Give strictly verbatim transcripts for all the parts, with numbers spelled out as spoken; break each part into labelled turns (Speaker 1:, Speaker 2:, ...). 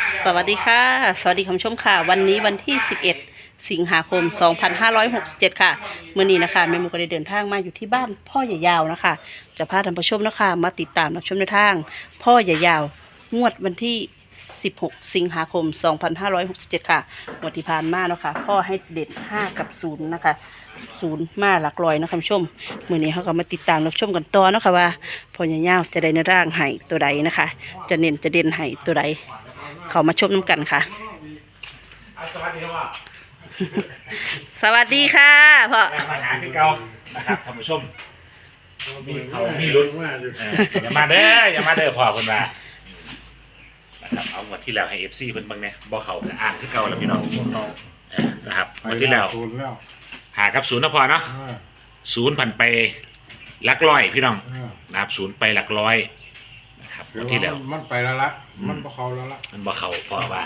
Speaker 1: สวัสดีค่ะสวัสดีคุณผู้ชมค่ะวันนี้วันที่สิบเอ็ดสิงหาคมสองพันห้าร้อยหกสิบเจ็ดค่ะเมื่อนี้นะคะแม่หมูก็ได้เดินทางมาอยู่ที่บ้านพ่อใหญ่ยาวนะคะจะพาท่านผู้ชมนะคะมาติดตามรับชมในทางพ่อใหญ่ยาวงวดวันที่สิบหกสิงหาคมสองพันห้าร้อยหกสิบเจ็ดค่ะงวดที่ผ่านมาเนาะค่ะพ่อให้เด็ดห้ากับศูนย์นะคะศูนย์มาหลักร้อยนะคะคุณผู้ชมเมื่อนี้เขาก็มาติดตามรับชมกันต่อเนาะค่ะว่าพ่อใหญ่ยาวจะได้ในร่างไห้ตัวใดนะคะจะเน้นจะเด่นไห้ตัวใดเขามาชมน้ำกันค่ะ
Speaker 2: สวัสดีครับ
Speaker 1: สวัสดีค่ะพ่อ
Speaker 2: แรงมาหาคือเก่านะครับท่านผู้ชมมีเขามีลุ้นเอออย่ามาเด้ออย่ามาเด้อพ่อคนมานะครับเอางวดที่แล้วให้เอฟซีเพิ่นเบิ่งเนี่ยบ่เขาจะอ่านคือเก่าแล้วพี่น้องเออนะครับงวดที่แล้วหากับศูนย์นะพ่อเนาะศูนย์พันไปหลักร้อยพี่น้องนะครับศูนย์ไปหลักร้อยนะครับงวดที่แล้ว
Speaker 3: มันไปแล้วละมันบ่เข้าแล้วละ
Speaker 2: มันบ่เขาพ่อว่าร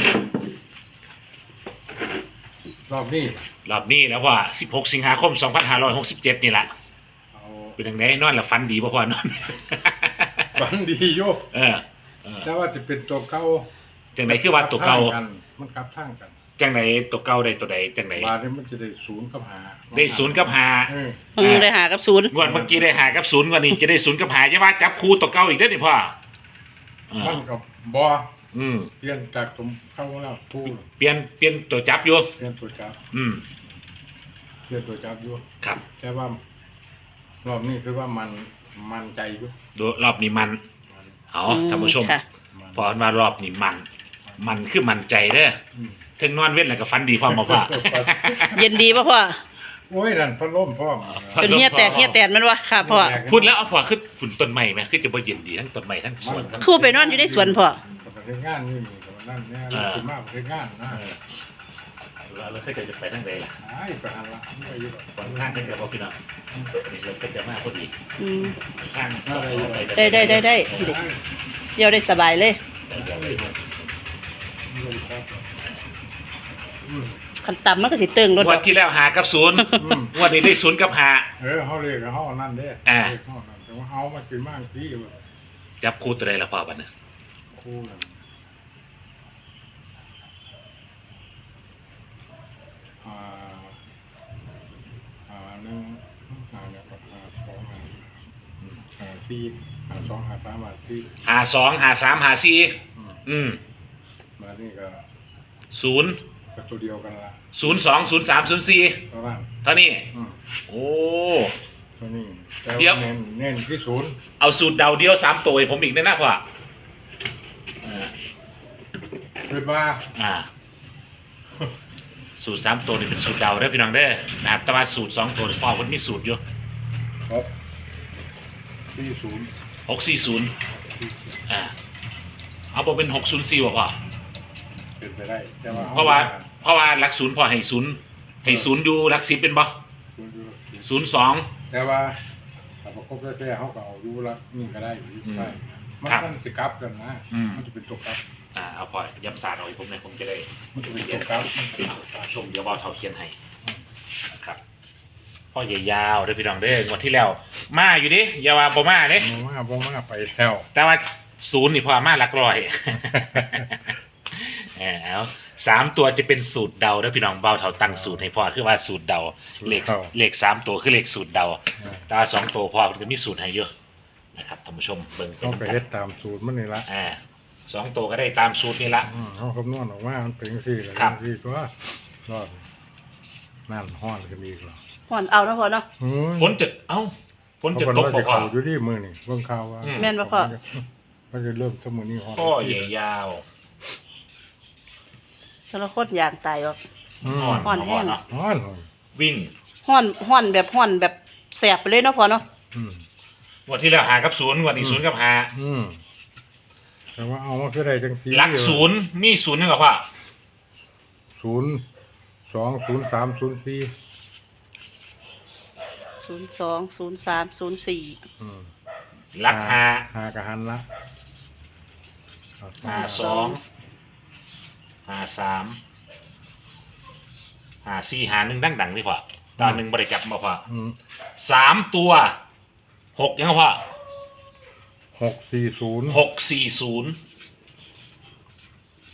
Speaker 3: อบนี้
Speaker 2: รอบนี้แล้วว่าสิบหกสิงหาคมสองพันห้าร้อยหกสิบเจ็ดนี่แหละ
Speaker 3: เอา
Speaker 2: เป็นยังไงนอนแล้วฟันดีป่ะพ่อนอน
Speaker 3: ฝันดีโย
Speaker 2: เออเออ
Speaker 3: แต่ว่าจะเป็นตัวเก่า
Speaker 2: จังไหนคือว่าตัวเก่า
Speaker 3: มันกลับทางกัน
Speaker 2: จังไหนตัวเก่าได้ตัวใดจังไหน
Speaker 3: บาทนี้มันจะได้ศูนย์กับหา
Speaker 2: ได้ศูนย์กับหา
Speaker 3: เออ
Speaker 1: อืมได้หากับศูนย์
Speaker 2: งวดเมื่อกี้ได้หากับศูนย์งวันนี้จะได้ศูนย์กับหาจะว่าจับคู่ตัวเก่าอีกได้อนี่พ่อเออ
Speaker 3: มันกับบ่
Speaker 2: อืม
Speaker 3: เปลี่ยนจากตัวเข้าแล้วทู
Speaker 2: เปลี่ยนเปลี่ยนตัวจับอยู่
Speaker 3: เปลี่ยนตัวจับ
Speaker 2: อืม
Speaker 3: เปลี่ยนตัวจับอยู่
Speaker 2: ครับ
Speaker 3: แต่ว่ารอบนี้คือว่ามันมันใจอยู่
Speaker 2: ดูรอบนี้มัน
Speaker 3: มัน
Speaker 2: เอาท่านผู้ชม
Speaker 1: ค่ะ
Speaker 3: มัน
Speaker 2: พอมารอบนี้มัน มันคือมันใจเด้อ
Speaker 3: อืม
Speaker 2: ถึงนอนเว้นแล้วก็ฟันดีพร้อมมาพ่อ
Speaker 1: เย็นดีป่ะพ่อ
Speaker 3: โอ้ยนั่นพัดลมพร้อม
Speaker 1: เป็นเฮียแตกเฮียแตนมันวะค่ะพ่อ
Speaker 2: พูดแล้วเอาพ่อขึ้นฝุ่นต้นไม้ไหมคือจะบ่เย็นดีทั้งต้นไม้ทั้งสวนทั้ง
Speaker 1: ครู่ไปนอนอยู่ในสวนพ่อ
Speaker 3: ประเทศงานนี่นี่แต่ว่านั่นเนี่ย
Speaker 2: อ่า
Speaker 3: คือมากประเทศงานนะ
Speaker 2: แล้วถ้าเกิดจะไปทั้งใดล่ะ
Speaker 3: ไอ้ประหารละไม่อยู่หรอก
Speaker 2: บางข้างก็จะบอกพี่น้องนี่เราก็จะมาพอดี
Speaker 1: อืม
Speaker 2: ข้างสองไป
Speaker 1: ได้ได้ได้ได้เดี๋ยวได้สบายเลย
Speaker 3: อืม
Speaker 1: ขันต่ำมันก็สิเติงรถ
Speaker 2: งวันที่แล้วหากับศูนย์
Speaker 3: อืม
Speaker 2: งวันนี้ได้ศูนย์กับหา
Speaker 3: เออเขาเรียกเขาเอานั่นเด้
Speaker 2: อ่า
Speaker 3: เรียกเขานั่นแต่ว่าเขามากินมากที่แบบ
Speaker 2: จับคู่ตัวใดละพ่อบัดนี้
Speaker 3: คู่นั่นอ่าอ่าหนึ่งอ่าเนี่ยก็อ่าสองอ่าอ่าสี่อ่าสองอ่าสามอ่าสี่
Speaker 2: หาสองหาสามหาสี่
Speaker 3: อืม
Speaker 2: อืม
Speaker 3: มานี่ก็
Speaker 2: ศูนย์
Speaker 3: ก็ตัวเดียวกันละ
Speaker 2: ศูนย์สองศูนย์สามศูนย์สี่
Speaker 3: เท่านั้น
Speaker 2: เท่านี้
Speaker 3: อืม
Speaker 2: โอ้
Speaker 3: ตัวนี้แต่
Speaker 2: เดี๋ยว
Speaker 3: ว่าเน้นเน้นที่ศูนย์
Speaker 2: เอาสูตรเดาเดียวสามตัวให้ผมอีกได้นะพ่ออ่า
Speaker 3: คือว่า
Speaker 2: อ่า สูตรสามตัวนี่เป็นสูตรเดาเด้อพี่น้องเด้อนะครับแต่ว่าสูตรสองตัวนี่พ่อมันมีสูตรอยู่
Speaker 3: หกที่ศูนย์
Speaker 2: หกสี่ศูนย์อ่าเอาบอกเป็นหกศูนย์สี่บ่พ่อ
Speaker 3: เป็นไปได้แต่ว่า
Speaker 2: เพราะว่าเพราะว่าหลักศูนย์พอให้ศูนย์ให้ศูนย์อยู่หลักสิบเป็นบ่
Speaker 3: ศูนย์อยู่
Speaker 2: ศูนย์สอง
Speaker 3: แต่ว่าถ้าประกบแท้ๆเขาก็เอาอยู่ละนี่ก็ได้อยู่
Speaker 2: อืม
Speaker 3: ได้มัน
Speaker 2: ครับ
Speaker 3: มันจะกลับกันนะ
Speaker 2: อืม
Speaker 3: มันจะเป็นตัวกลับ
Speaker 2: อ่าเอาพอย้ำศาสตร์เอาอีกผมเนี่ยผมจะได้
Speaker 3: มันจะเป็นตัวกลับ
Speaker 2: ชมเดี๋ยวบอเท่าเขียนให้นะครับพ่อใหญ่ยาวเด้อพี่น้องเด้องวดที่แล้วมาอยู่ดิอย่าว่าบ่มาเด้
Speaker 3: มองว่าบ่มาไปแล้ว
Speaker 2: แต่ว่าศูนย์นี่พอมาหลักร้อย เออเอาสามตัวจะเป็นสูตรเดาเด้อพี่น้องเบาเท่าตั้งสูตรให้พ่อคือว่าสูตรเดาเลขเลขสามตัวคือเลขสูตรเดาแต่ว่าสองตัวพ่อมันจะมีสูตรให้เยอะนะครับท่านผู้ชมเบิ่ง
Speaker 3: ต้องไปเฮ็ดตามสูตรมันนี่ละ
Speaker 2: อ่าสองตัวก็ได้ตามสูตรนี่ละ
Speaker 3: อืมเขาคำนวณออกมามันเป็นจังซี่แหละ
Speaker 2: ครับ
Speaker 3: จังซี่ตัวรอดนั่นห้อนกันอีกเหรอ
Speaker 1: ห่อนเอาเนาะพ่อเนาะ
Speaker 3: เฮ้ย
Speaker 2: ฝนจะเอ้าฝนจะ
Speaker 3: เขา
Speaker 2: ต
Speaker 3: เพิ่
Speaker 2: ก
Speaker 3: นว่า
Speaker 2: บ่
Speaker 3: จะ
Speaker 2: พ่อ
Speaker 3: เข้าอยู่ที่มือนี่เบิ่งข่าวว่า
Speaker 2: อืม
Speaker 1: แม่นบ่พ่อ
Speaker 3: มันจะเริ่มทั้งมื้อนี้ฮ้อน
Speaker 2: พ่อใหญ่ยาว
Speaker 1: สารคดยางตายออก
Speaker 3: อืม
Speaker 2: อ่อน
Speaker 1: อ่อนแห้ง
Speaker 2: เนาะ
Speaker 3: ฮ้อนฮ้อน
Speaker 2: วิ่ง
Speaker 1: ห่อนห่อนแบบห่อนแบบแสบไปเลยเนาะพ่อเนาะ
Speaker 3: อืม
Speaker 2: งวันที่แล้วหากับศูนย์งวันนี้ศูนย์กับหา
Speaker 3: อืมแต่ว่าเอามาคือได้จังซี่
Speaker 2: หลักศูนย์มีศูนย์นึงกับพ่อ
Speaker 3: ศูนย์สองศูนย์สามศูนย์สี่
Speaker 1: ศูนย์สองศูนย์สามศูนย์สี่
Speaker 3: อืม
Speaker 2: หลักหา
Speaker 3: หากะหันละเอา
Speaker 2: หาสองหาสามหาสี่หาหนึ่งดังดังๆนี่พ่อตอนหนึ่งบริกรรมมาพ่อ
Speaker 3: อืม
Speaker 2: สามตัวหกยังไงพ่อ
Speaker 3: หกสี่ศูนย์
Speaker 2: หกสี่ศูนย์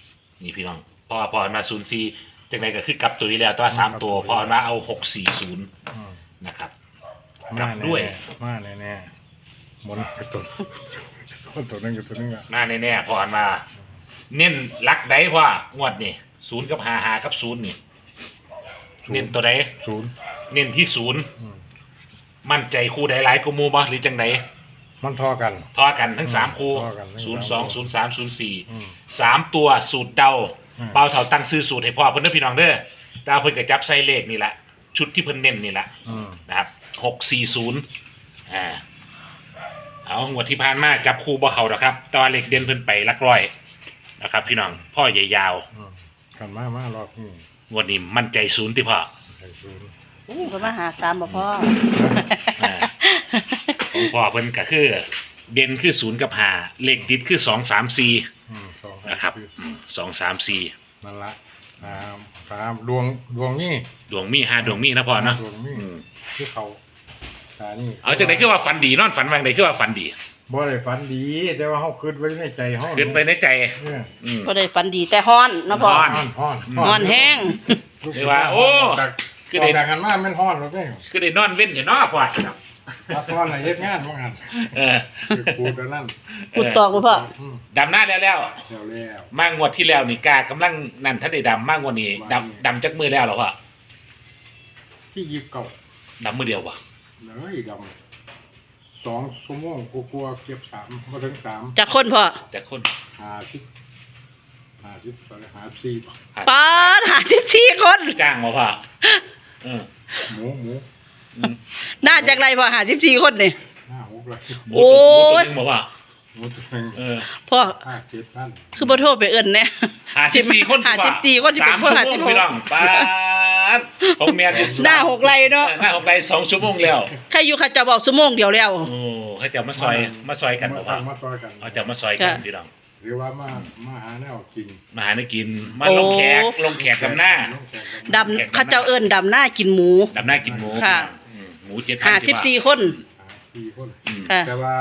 Speaker 2: นี่พี่น้องพอพอมาศูนย์สี่จากไหนก็คือกลับตัวนี้แล้วตัวสามตัวพอมาเอาหกสี่ศูนย์
Speaker 3: อืม
Speaker 2: นะครับก
Speaker 3: มา
Speaker 2: ลับด้วย
Speaker 3: มาแน่แน่ๆหมุนกระตุนคนตัวนึงกับตัวนึงอ่ะ
Speaker 2: มาแน่ๆพอมา เน้นลักได้ว่างวดนี่ศูนย์กับหาหากับศูนย์นี่เน้นตัวใด
Speaker 3: ศูนย์
Speaker 2: เน้นที่ศูนย์
Speaker 3: อืม
Speaker 2: มั่นใจคู่ใดหลายกูมูบ่หรือจังได
Speaker 3: มันทอกัน
Speaker 2: ทอกันทั้งสามคู่
Speaker 3: ทอกันทั้ง
Speaker 2: ศูนย์
Speaker 3: สา
Speaker 2: สอง
Speaker 3: มคู่
Speaker 2: ศูนย์สามศูนย์สี่
Speaker 3: อืม
Speaker 2: สามตัวสูตรเดา
Speaker 3: อืม
Speaker 2: เบาเท่าตั้งซื้อสูตรให้พ่อเพิ่นเด้อพี่น้องเด้อดาวเพิ่นก็จับใส่เลขนี่แหละชุดที่เพิ่นเน้นนี่แหละ
Speaker 3: อืม
Speaker 2: นะครับหกสี่ศูนย์อ่าเอางวดที่ผ่านมาจับคู่บ่เข้าดอกครับแตว่าเลขเด่นเพิ่นไปหลักร้อยนะครับ พี่น้องพ่อใหญ่ยาว
Speaker 3: อืมกันมามารอบนี้
Speaker 2: งวดนี้มั่นใจศูนย์ที่พ่อ
Speaker 3: ใส่ศูนย์
Speaker 1: เพิ่นมาหาสามบ่พ่อ
Speaker 2: อ่าของพ่อเพิ่นก็คือเด่นคือศูนย์กับห้าเลขติดคือสองสามสี่
Speaker 3: อืมสอง
Speaker 2: นะครับอืมสองสามสี่
Speaker 3: นั่นละสามสามดวงดวงนี่
Speaker 2: ดวงมีห้าดวงมีนะพ่อเนาะ
Speaker 3: ดวงนี่
Speaker 2: อืม
Speaker 3: ที่เขาตานี่
Speaker 2: เอาจากไหนคือว่าฝันดีนอนฝันว่าไหนคือว่าฝันดี
Speaker 3: บ่ได้ฝันดี แต่ว่าเฮาคิดไว้ในใจเฮา
Speaker 2: ขึ้นไปในใจ
Speaker 3: เออ
Speaker 2: อืม
Speaker 1: บ่ได้ฝันดีแต่ฮ้อนเนาะพ่อ
Speaker 2: ฮ้
Speaker 3: ฮ้อนฮ้อน
Speaker 1: ฮ้อนแห้ง
Speaker 2: เรียกว่าโอ้
Speaker 3: จาก
Speaker 2: คือ
Speaker 3: อ
Speaker 2: ได้
Speaker 3: อกจากกันมาแม่นฮ้อนแล้วเด้
Speaker 2: คือได้นอนเว้นอยู่เนาะพ่อครับ
Speaker 3: พักผ่อนน่ะเฮ็ดงานว่างั้น
Speaker 2: เออ
Speaker 3: คือพูดแล้วนั่น
Speaker 1: พูดต่อบ่พ่อ
Speaker 3: อืม
Speaker 2: ดำหน้าแล้วแล้ว
Speaker 3: แล้วแล้ว
Speaker 2: มางวดที่แล้วนี่กากำลังนั่นถ้าได้ดำมากกว่านี้ดำดำจักมือแล้วเหรอพ่อ
Speaker 3: ที่ยิบเก่า
Speaker 2: ดำมือเดียวป่ะ
Speaker 3: เลยดำสองชั่วโมงกลัวๆเก็บสามบ่ถึงสาม
Speaker 1: จากคนพ่อ
Speaker 2: แต่คน
Speaker 3: หาสิบหาสิบไปหาสี่
Speaker 1: ปาดหาสิบสี่คน
Speaker 2: จ้างมาพ่อเออ
Speaker 3: หมูหมู
Speaker 2: อืม
Speaker 1: น่าจากไรพ่อหาสิบสี่คนนี่
Speaker 3: ห้าหกเลย
Speaker 2: หมู
Speaker 1: โอ้
Speaker 2: ตัวย หมูตัวนึงมาพ่อ
Speaker 3: หมูตัวหนึง
Speaker 2: เออ
Speaker 1: พ่อ
Speaker 3: ห้าเจ็ดพัน
Speaker 1: คือบ่โทรไปเอิ้นแน่
Speaker 2: หาสิบสี่คน
Speaker 1: หาสิบสี่คนสิเป็
Speaker 2: สาน ม
Speaker 1: พ่อ
Speaker 2: ชั่ว
Speaker 1: หา
Speaker 2: โม
Speaker 1: สิ
Speaker 2: ง
Speaker 1: บหก
Speaker 2: พี่น้องป้าดของเมียจะ
Speaker 1: หน้าหกไรเนาะ
Speaker 2: หน้าหกไรสองชั่วโมงแล้ว
Speaker 1: ใครอยู่เขาจะบอกชั่วโมงเดียวแล้ว
Speaker 2: โอ้ให้จะมาซอยมาซอยกัน
Speaker 3: มา
Speaker 2: บ่พ่อ
Speaker 3: มาต่อยกัน
Speaker 2: เอาจะมาซอยกัน
Speaker 1: ค่ะ
Speaker 2: พี่น้อง
Speaker 3: หรือว่ามามาหาแนวกิน
Speaker 2: มาหาเนื้อกิน มาลงแขกลงแขกดำหน้า
Speaker 3: ลงแขก
Speaker 1: ดำเขาเจ้าเอิ้นดำหน้ากินหมู
Speaker 2: ดำหน้ากินหมู
Speaker 1: ค่ะ
Speaker 2: อืมหมูเจ็ดพัน
Speaker 1: หาสิบสี่คน
Speaker 3: หาสี่คน
Speaker 2: อืม
Speaker 1: ค่ะ
Speaker 3: แต่ว่า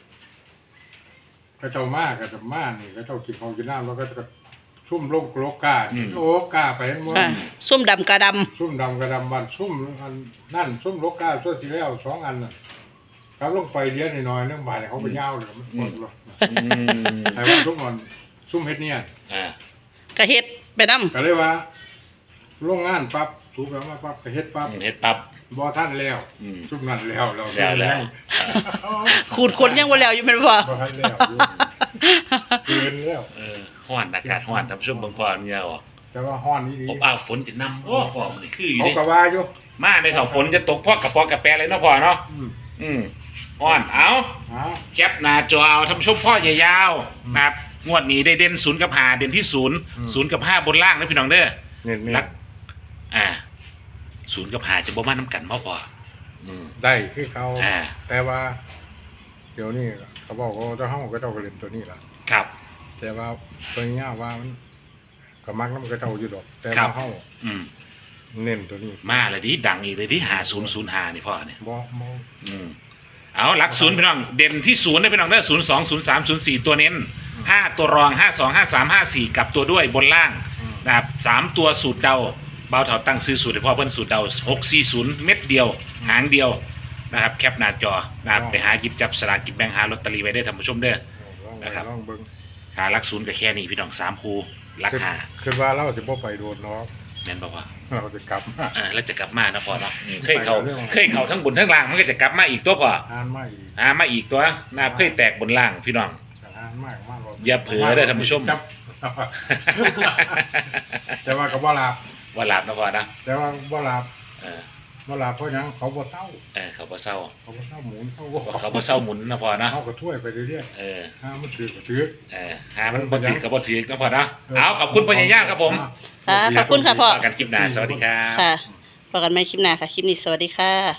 Speaker 3: เขาเจ้ามากกับเจ้ามานี่เขาเจ้ากินของกินน้ำแล้วก็จะซุ่มโลกโลกาโลกาไปเห็นมั้
Speaker 1: ค่ะส้มดำกระด
Speaker 3: ซุ่มดำกระดำบันซุ่มอันนั่นซุ่มโลกาส่วนที่แล้วสองอันน่ะเขาลงไปเลี้ยงหน่อยๆเรื่องบ่ายเขาไปยาวเลยมันปวดเลย
Speaker 2: อืม
Speaker 3: แต่ว่าทุกคนซุ่มเฮ็ดเนี่ย
Speaker 2: อ่า
Speaker 1: ำกระเฮ็ดไปนำ
Speaker 3: ก็เลยว่าโรงงานปั๊บสูบแล้วมาปั๊บก็เฮ็ดปั๊บ
Speaker 2: เฮ็ดปั๊บ
Speaker 3: บ่ทันแล้ว
Speaker 2: อืม
Speaker 3: ซุ่มนั่นแล้วเรา
Speaker 2: แล้วแล้ว
Speaker 1: ขูดคนยังบ่แล้วอยู่แม่นบ่
Speaker 3: บ่ทันแล้วเกินแล้ว
Speaker 2: เออฮ้อนอากาศฮ้อนท่านผู้ชมเบิ่งพอเนี่ยออก
Speaker 3: แต่ว่าฮ้อนนี่ดี
Speaker 2: อบอ้าวฝนจะนำโอ้พอมันคืออยู่
Speaker 3: เขา
Speaker 2: ดิ
Speaker 3: ก็ว่าอยู่
Speaker 2: มาในเถาฝนจะตกพอกกระปอกกระแปรเลยเนาะพ่อเนาะ
Speaker 3: อืม
Speaker 2: อืมฮ้อนเอา
Speaker 3: อ้าว
Speaker 2: แคปหน้าจอเอาท่านผู้ชมพ่อใหญ่ยาว
Speaker 3: อืม
Speaker 2: นะครับงวดนี้ได้เด่นศูนย์กับห้าเด่นที่ศูนย์
Speaker 3: อืม
Speaker 2: ศูนย์กับห้าบนล่างนะพี่น้องเด้อ
Speaker 3: เน้น
Speaker 2: รัก อ่าศูนย์กับห้าจะบ่มาน้ำกันพ่อพ่ออืม
Speaker 3: ๆได้คือเขา
Speaker 2: อ่า
Speaker 3: แต่ว่า เดี๋ยวนี้เขาบอกว่าเจ้าเฮาก็เจ้าก็เล่นตัวนี้ล่ะ
Speaker 2: ครับ
Speaker 3: แต่ว่าตัวนี้ว่ามันก็มักนำก็เจ้าอยู่ดอก แต่
Speaker 2: ครั
Speaker 3: ว่า
Speaker 2: บ
Speaker 3: เฮา
Speaker 2: อืม
Speaker 3: เน้นตัวนี้
Speaker 2: มาเลยดิดังอีกเลยดิหาศูนย์ศูนย์หานี่พ่อเนี่ย
Speaker 3: บ่บ่
Speaker 2: อืมเอาหลักศูนย์พี่น้องเด่นที่ศูนย์ได้พี่น้องได้ศูนย์สองศูนย์สามศูนย์สี่ตัวเน้นห้าตัวรองห้าสองห้าสามห้าสี่กลับตัวด้วยบนล่าง
Speaker 3: อืม
Speaker 2: นะครับสามตัวสูตรเดาเบาเถาตั้งซื้อสูตรให้พ่อเพิ่นสูตรเดาหกสี่ศูนย์เม็ดเดียว หางเดียวนะครับแคปหน้าจอนะครับไปหาหยิบจับสลากกินแบ่งหาลอตเตอรี่ไว้ได้ท่านผู้ชมเด้อ
Speaker 3: ลอง
Speaker 2: นะครับ
Speaker 3: ลองเบิ่ง
Speaker 2: หาหลักศูนย์ก็แค่นี้พี่น้องสามคูหลักหา
Speaker 3: คือว่าเราสิบ่ไปโดนเนาะ
Speaker 2: แม่นบอกว่า
Speaker 3: เราจะกลับมา
Speaker 2: อ่าแล้วจะกลับมานะพ่อเนาะอืมเคยเขา
Speaker 3: ไปเรื่อง
Speaker 2: เคยเขาทั้งบนทั้งล่างมันก็จะกลับมาอีกตัวพ่อ
Speaker 3: อ่านมาอีก
Speaker 2: หามาอีกตัวนะครับเคยแตกบนล่างพี่น้อง
Speaker 3: อ่านมากมาก
Speaker 2: อย่าเผลอเด้อท่านผู้ชม
Speaker 3: จับ แต่ว่าก็บ่หลับ
Speaker 2: ว่าหลับนะพ่อนะ
Speaker 3: แต่ว่าบ่หลับ
Speaker 2: เออ
Speaker 3: บ่หลับเพราะหยังเขาบ่เศร้า
Speaker 2: เออเขาบ่เศร้า
Speaker 3: เขาบ่เศร้าหมุนเขา
Speaker 2: เขาบ่เศร้าหมุนนะพ่อนะ
Speaker 3: เขาก็ถ้วยไปเรื่อย
Speaker 2: เออ
Speaker 3: ๆถ้ามันถือก็ถือ
Speaker 2: เออหามันบ่ถือกับบ่ถือนะพ่อนะเอาขอบคุณพ่อใหญ่ย่าครับผม
Speaker 1: ค่ะขอบคุณค่ะพ่อ
Speaker 2: ต่อกันคลิปหน้าสวัสดีครับ
Speaker 1: ค่ะพบกันใหม่คลิปหน้าค่ะ คลิปนี้สวัสดีค่ะ